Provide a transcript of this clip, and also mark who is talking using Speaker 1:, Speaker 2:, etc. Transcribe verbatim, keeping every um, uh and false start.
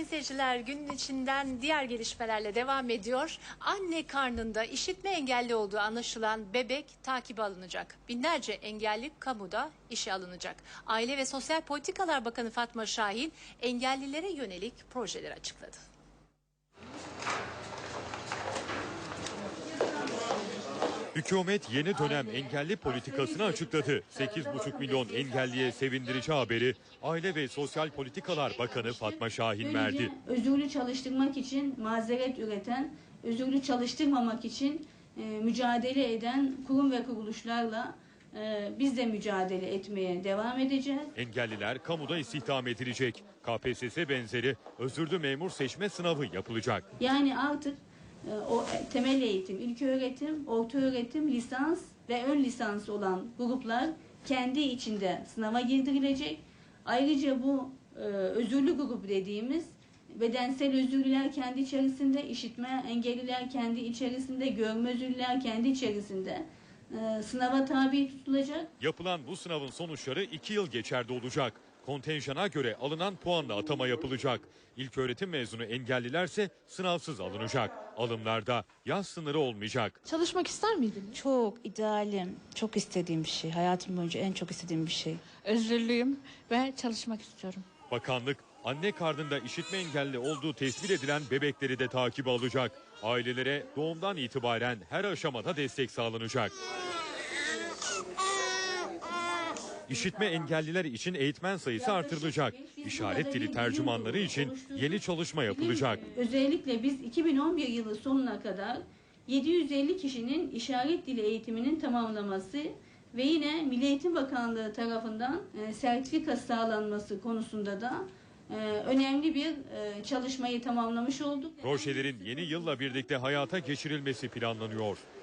Speaker 1: sayın seyirciler, günün içinden diğer gelişmelerle devam ediyor. Anne karnında işitme engelli olduğu anlaşılan bebek takibe alınacak. Binlerce engelli kamuda işe alınacak. Aile ve Sosyal Politikalar Bakanı Fatma Şahin engellilere yönelik projeler açıkladı.
Speaker 2: Hükümet yeni dönem engelli politikasını açıkladı. sekiz buçuk milyon engelliye sevindirici haberi Aile ve Sosyal Politikalar Bakanı Fatma Şahin verdi.
Speaker 3: Özürlü çalıştırmak için mazeret üreten, özürlü çalıştırmamak için e, mücadele eden kurum ve kuruluşlarla e, biz de mücadele etmeye devam edeceğiz.
Speaker 2: Engelliler kamuda istihdam edilecek. K P S S benzeri özürlü memur seçme sınavı yapılacak.
Speaker 3: Yani artık o temel eğitim, ilköğretim, ortaöğretim, lisans ve ön lisans olan gruplar kendi içinde sınava girdirilecek. Ayrıca bu e, özürlü grup dediğimiz bedensel özürlüler kendi içerisinde, işitme engelliler kendi içerisinde, görme özürlüler kendi içerisinde e, sınava tabi tutulacak.
Speaker 2: Yapılan bu sınavın sonuçları iki yıl geçerli olacak. Kontenjana göre alınan puanla atama yapılacak. İlköğretim mezunu engellilerse sınavsız alınacak. Alımlarda yaş sınırı olmayacak.
Speaker 4: Çalışmak ister miydiniz?
Speaker 5: Çok idealim, çok istediğim bir şey. Hayatım boyunca en çok istediğim bir şey.
Speaker 4: Özürlüyüm ve çalışmak istiyorum.
Speaker 2: Bakanlık anne karnında işitme engelli olduğu tespit edilen bebekleri de takibe alacak. Ailelere doğumdan itibaren her aşamada destek sağlanacak. İşitme engelliler için eğitmen sayısı artırılacak. İşaret dili tercümanları için yeni çalışma yapılacak.
Speaker 3: Özellikle biz iki bin on bir yılı sonuna kadar yedi yüz elli kişinin işaret dili eğitiminin tamamlaması ve yine Milli Eğitim Bakanlığı tarafından sertifika sağlanması konusunda da önemli bir çalışmayı tamamlamış olduk.
Speaker 2: Projelerin yeni yılla birlikte hayata geçirilmesi planlanıyor.